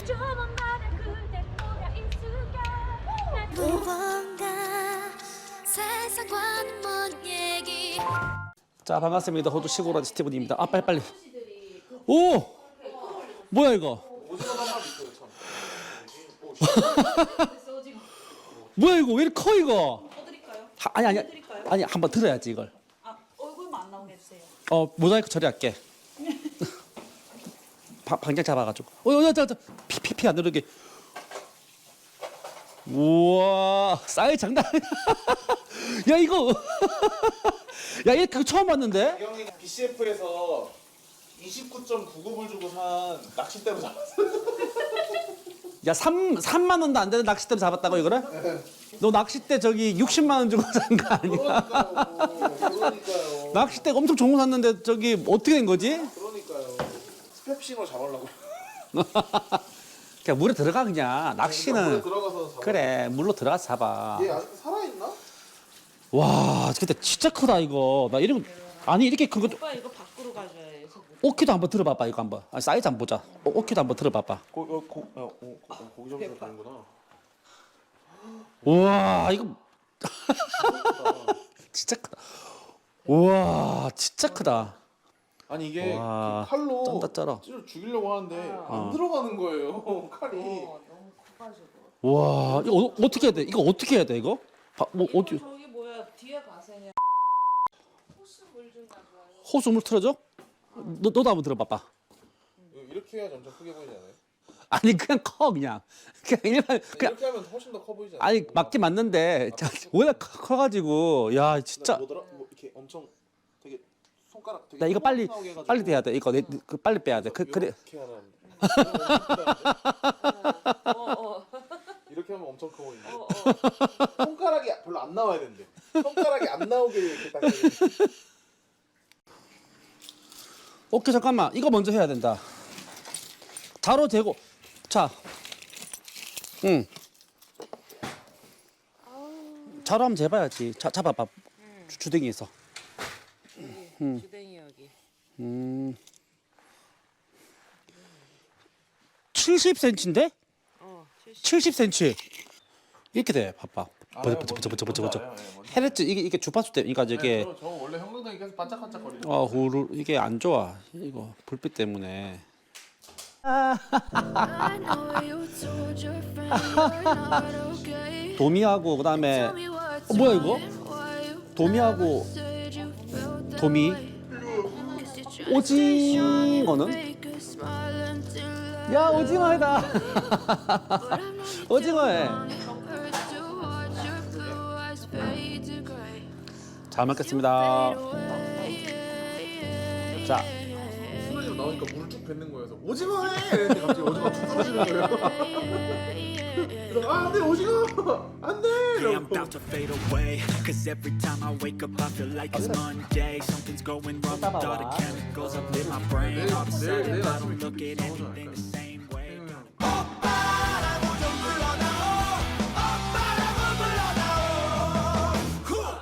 세상과는 먼 얘기. 자, 반갑습니다. 호주 시골아지 스티븐입니다. 아, 빨리. 오! 뭐야 이거? 뭐야 이거? 왜 이렇게 커 이거? 드릴까요? 아니 한번 들어야지 이걸. 아, 얼굴만 안 나오게 해주세요. 모자이크 처리할게. 방장 잡아가지고. 피 안 누르게. 우와, 사이즈 장난 아니야. 야 이거. 야 이거 그거 처음 봤는데? 형이 BCF에서 29.99불 주고 산 낚싯대로 잡았어. 야 3만 원도 안 되는 낚싯대로 잡았다고 이거를? 너 낚싯대 저기 60만 원 주고 산 거 아니야? 그러니까요. 낚싯대가 엄청 좋은 거 샀는데 저기 어떻게 된 거지? 그러니까요. 스텝싱으로 잡으려고. 그냥 물에 들어가 그냥 낚시는 물에 들어가서 잡아. 그래 물로 들어가서 잡아. 얘 아직도 살아있나? 와 근데 진짜 크다 이거. 나 이러면 아니 이렇게 큰 것도 오빠 이거 밖으로 가져야 해서. 오키도 한번 들어봐봐 이거 한번. 사이즈 한번 보자. 오키도 한번 들어봐봐. 고기 점수 가는구나. 우와 이거 진짜 크다. 우와 진짜 크다. 아니 이게 와, 그 칼로 쩐다 쩔어. 찌를 죽이려고 하는데 안 들어가는 거예요. 칼이. 너무 커가지고. 와 이거 어떻게 해야 돼? 이거 어떻게 해야 돼 이거? 뭐 어디 저기 뭐야 뒤에 가세요. 호수 물좀 가져와요. 호수 물 틀어줘? 너도 한번 들어봐봐. 이렇게 해야지 엄청 크게 보이지 않아요? 아니 그냥 커 그냥 일반 그냥 이렇게 하면 훨씬 더 커 보이지 않아요? 아니 맞긴 맞는데 워낙 커가지고 야 진짜 뭐더라? 뭐 이렇게 엄청 되게 손가락 되게 야 이거 빨리 나오게 해가지고 빨리 돼야 돼 이거 그 빨리 빼야 돼 그래 이렇게 하라는데. 어. 이렇게 하면 엄청 커 보이는데 손가락이 별로 안 나와야 되는데 손가락이 안 나오게 이렇게 딱 해야 돼. 오케이 잠깐만 이거 먼저 해야 된다 자로 재고 자 자로 한번 재봐야지 잡아봐 주댕이에서 주댕이 여기. 70cm인데? 70cm 이렇게 돼 봐봐 알아요, 버져 알아요, 예, 뭔지. 헤랬지 이게 주파수 때니까 저게 저 원래 형광등이 계속 반짝반짝거리죠. 후루 이게 안 좋아 이거 불빛 때문에 I know you told your friend you're not okay. 도미하고 그다음에 Tell me what's 뭐야 이거? wrong, why you 도미하고 said you felt that 도미 way. Guess you're trying to stay strong and 오징어는? fake a smile until I 야 오징어다 But I'm not 오징어에 hurts to watch your blue eyes fade to gray. 잘 먹겠습니다 Fade away. 자 순간적으로 나오니까 물을 쭉 뱉는 거예요. 그래서 오징어 해! 이랬는데 갑자기 오징어 툭 떨어지는 거예요. 그래서 아 안돼 오징어! 안돼! Yeah, I'm about to fade away. Cause every time I wake up, I feel like it's Monday. Something's going wrong with all the chemicals up in my brain. All of a sudden, I don't look at anything the same.